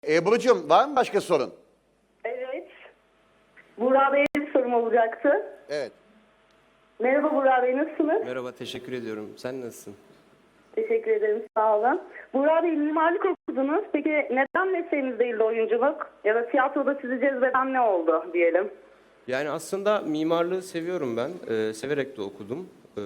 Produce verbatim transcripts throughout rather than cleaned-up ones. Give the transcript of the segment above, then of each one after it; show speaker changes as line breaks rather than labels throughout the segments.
Ebru'cum var mı başka sorun?
Evet. Burak Bey'e bir sorum olacaktı.
Evet.
Merhaba Burak Bey, nasılsınız?
Merhaba, teşekkür ediyorum. Sen nasılsın?
Teşekkür ederim, sağ olun. Burak Bey, mimarlık okudunuz. Peki neden mesleğiniz değildi oyunculuk? Ya da tiyatroda sizi cezbeden ne oldu diyelim?
Yani aslında mimarlığı seviyorum ben. Ee, severek de okudum. Ee,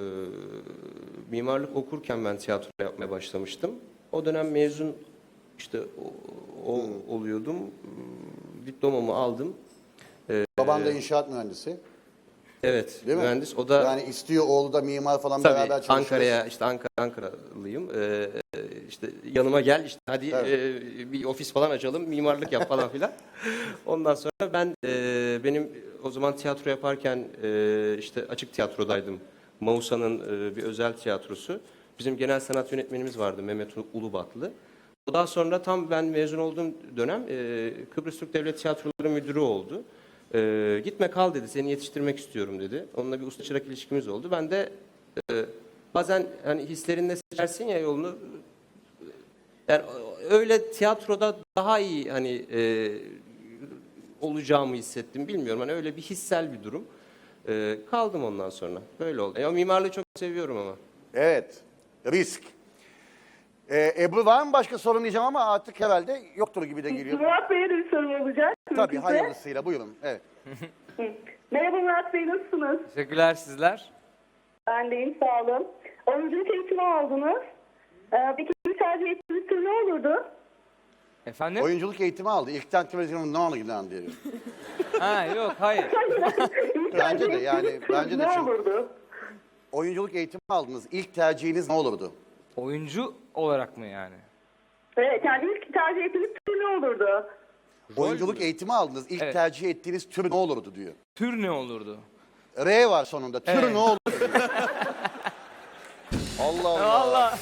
mimarlık okurken ben tiyatro yapmaya başlamıştım. O dönem mezun işte o, o oluyordum. Diplomamı aldım.
Baban da inşaat mühendisi.
Evet,
Değil mi?
mühendis. O da
Yani istiyor oğlu da mimar falan
tabii
beraber çalışıyor.
Ankara'ya, işte Ankara, Ankaralıyım. Ee, işte yanıma gel, işte hadi e, bir ofis falan açalım, mimarlık yap falan filan. Ondan sonra ben e, benim o zaman tiyatro yaparken e, işte açık tiyatrodaydım. Mausa'nın e, bir özel tiyatrosu. Bizim genel sanat yönetmenimiz vardı, Mehmet Ulubatlı. Daha sonra tam ben mezun olduğum dönem e, Kıbrıs Türk Devlet Tiyatroları Müdürü oldu. E, gitme kal dedi, seni yetiştirmek istiyorum dedi. Onunla bir usta çırak ilişkimiz oldu. Ben de e, bazen hani hislerinle seçersin ya yolunu. Yani öyle tiyatroda daha iyi hani e, olacağımı hissettim. Bilmiyorum, hani öyle bir hissel bir durum. E, kaldım ondan sonra. Böyle oldu. E, o mimarlığı çok seviyorum ama.
Evet. Risk. Ee, Ebru var mı başka sorun diyeceğim ama artık herhalde yoktur gibi de geliyor.
Murat Bey'e de bir sorum olacak.
Tabii
mümkünse.
hayırlısıyla buyurun. Evet.
Hı. Merhaba Murat Bey, nasılsınız?
Teşekkürler, sizler.
Ben deyim, sağ olun. Oyunculuk eğitimi aldınız. Ee, peki bir tercih ettiğiniz tür ne olurdu?
Efendim?
Oyunculuk eğitimi aldı. İlkten televizyonun ne oldu lan diyor.
Ha yok, hayır.
İlk
Bence
tercih
de yani,
ettiğiniz tür
bence de
ne
çünkü-
olurdu?
Oyunculuk eğitimi aldınız. İlk tercihiniz ne olurdu?
Oyuncu olarak mı yani?
Evet, yani ilk tercih ettiğiniz tür ne olurdu?
Oyunculuk eğitimi aldınız. İlk
Evet.
tercih ettiğiniz tür ne olurdu diyor.
Tür ne olurdu?
R var sonunda. Tür
Evet.
ne olurdu diyor. Allah Allah.
Valla.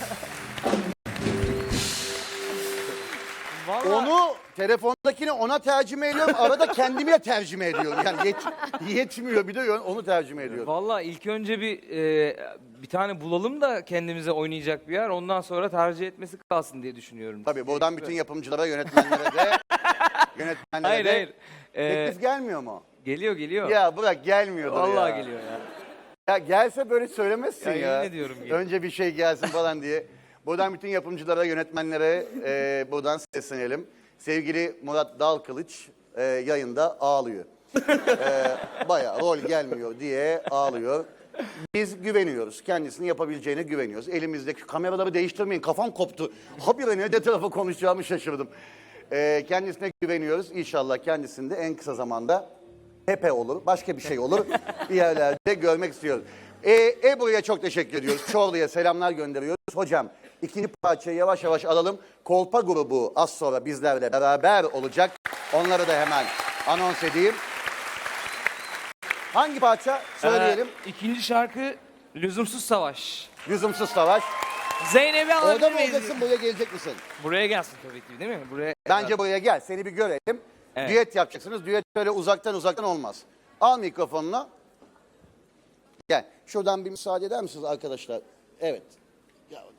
Valla.
Onu telefondakini ona tercüme ediyorum. Arada kendimi de tercüme ediyorum. Yani yet, yetmiyor bir de onu tercüme ediyorum.
Valla ilk önce bir e, bir tane bulalım da kendimize oynayacak bir yer. Ondan sonra tercih etmesi kalsın diye düşünüyorum.
Tabii buradan bütün yapımcılara, yönetmenlere de yönetmenlere
Hayır
de
hayır. E,
teklif gelmiyor mu?
geliyor geliyor.
Ya bırak gelmiyordur ya.
Vallahi geliyor ya.
Ya gelse böyle söylemezsin
Ya,
ya.
yemin ediyorum geliyor.
Önce bir şey gelsin falan diye. Buradan bütün yapımcılara, yönetmenlere e, buradan seslenelim. Sevgili Murat Dalkılıç e, yayında ağlıyor. e, bayağı rol gelmiyor diye ağlıyor. Biz güveniyoruz. Kendisini yapabileceğine güveniyoruz. Elimizdeki kameraları değiştirmeyin. Kafam koptu. Habire ne tarafa konuşacağımı şaşırdım. E, kendisine güveniyoruz. İnşallah kendisini de en kısa zamanda Pepe olur, başka bir şey olur. Bir yerlerde görmek istiyoruz. E, Ebru'ya çok teşekkür ediyoruz. Çorlu'ya selamlar gönderiyoruz. Hocam ikinci parçayı yavaş yavaş alalım. Kolpa grubu az sonra bizlerle beraber olacak. Onları da hemen anons edeyim. Hangi parça? Söyleyelim.
Ee, ikinci şarkı Lüzumsuz Savaş.
Lüzumsuz Savaş.
Zeynep'i
Orada
alabilir
mı
miyiz?
olacaksın, buraya gelecek misin?
Buraya gelsin tabii ki, değil mi? Buraya.
Bence buraya gel, seni bir görelim.
Evet.
Düet yapacaksınız. Düet böyle uzaktan uzaktan olmaz. Al mikrofonunu. Gel. Şuradan bir müsaade eder misiniz arkadaşlar? Evet. Gel bakalım.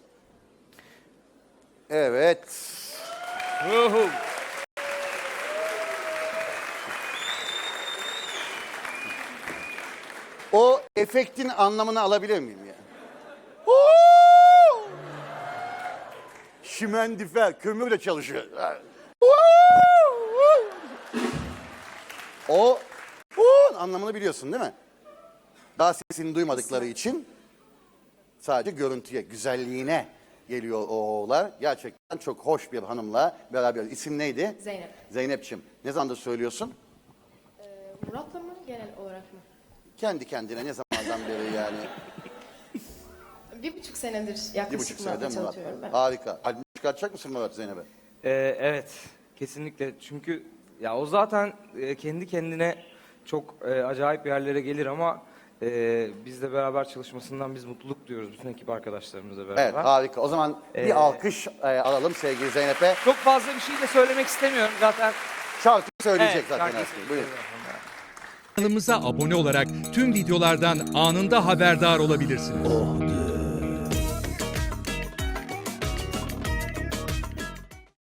Evet.
Ruhu.
O efektin anlamını alabilir miyim ya? Huu! Şimendifer, kömürle çalışıyor. Huu! O huu anlamını biliyorsun değil mi? Daha sesini duymadıkları için sadece görüntüye, güzelliğine geliyor o oğullar. Gerçekten çok hoş bir hanımla beraber. İsim neydi?
Zeynep.
Zeynep'ciğim. Ne zamandır söylüyorsun?
Ee, Murat'la mı genel olarak mı?
Kendi kendine ne zamandan beri yani?
Bir buçuk senedir
Bir
yaklaşık
buçuk senede
Murat'la
Murat.
çalışıyorum ben.
Harika. Albüm çıkartacak mısın Murat Zeynep'e?
Ee, evet, kesinlikle. Çünkü ya o zaten e, kendi kendine çok e, acayip yerlere gelir ama e, bizle beraber çalışmasından biz mutluluk duyuyoruz bütün ekip arkadaşlarımızla beraber.
Evet harika. O zaman bir
Ee,
alkış e, alalım sevgili Zeynep'e.
Çok fazla bir şey de söylemek istemiyorum zaten.
Şarkı söyleyecek
Evet,
zaten.
şarkıyı
aslında. Buyurun.
söyleyeceğim.
Kanalımıza abone olarak tüm videolardan anında haberdar olabilirsiniz.